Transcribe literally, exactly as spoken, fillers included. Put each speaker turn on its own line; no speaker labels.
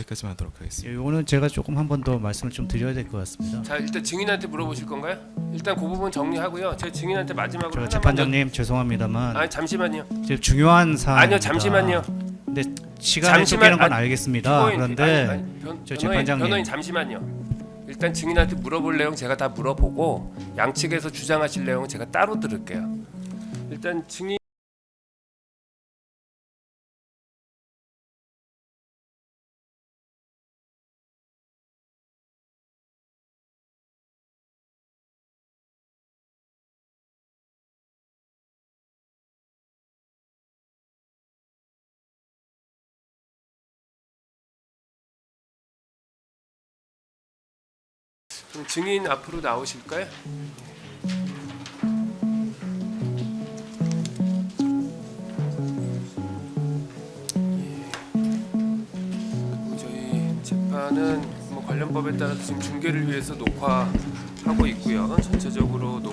여기까지만 하도록 하겠습니다.
이거는 제가 조금 한 번 더 말씀을 좀 드려야 될 것 같습니다.
자, 일단 증인한테 물어보실 건가요? 일단 그 부분 정리하고요. 제 증인한테 마지막으로
저
하나만
재판장님 죄송합니다만
더... 아니 잠시만요.
지금 중요한 사안
아니요, 잠시만요.
근데 시간이
잠시만-
쫓기는 건
아니,
알겠습니다.
피고인,
그런데
아니, 아니, 변,
저
변호인,
재판장님.
변호인 잠시만요. 일단 증인한테 물어볼 내용 제가 다 물어보고 양측에서 주장하실 내용은 제가 따로 들을게요. 일단 증인 그럼 증인 앞으로 나오실까요? 그리고 저희 재판은 뭐 관련 법에 따라서 지금 중계를 위해서 녹화하고 있고요. 전체적으로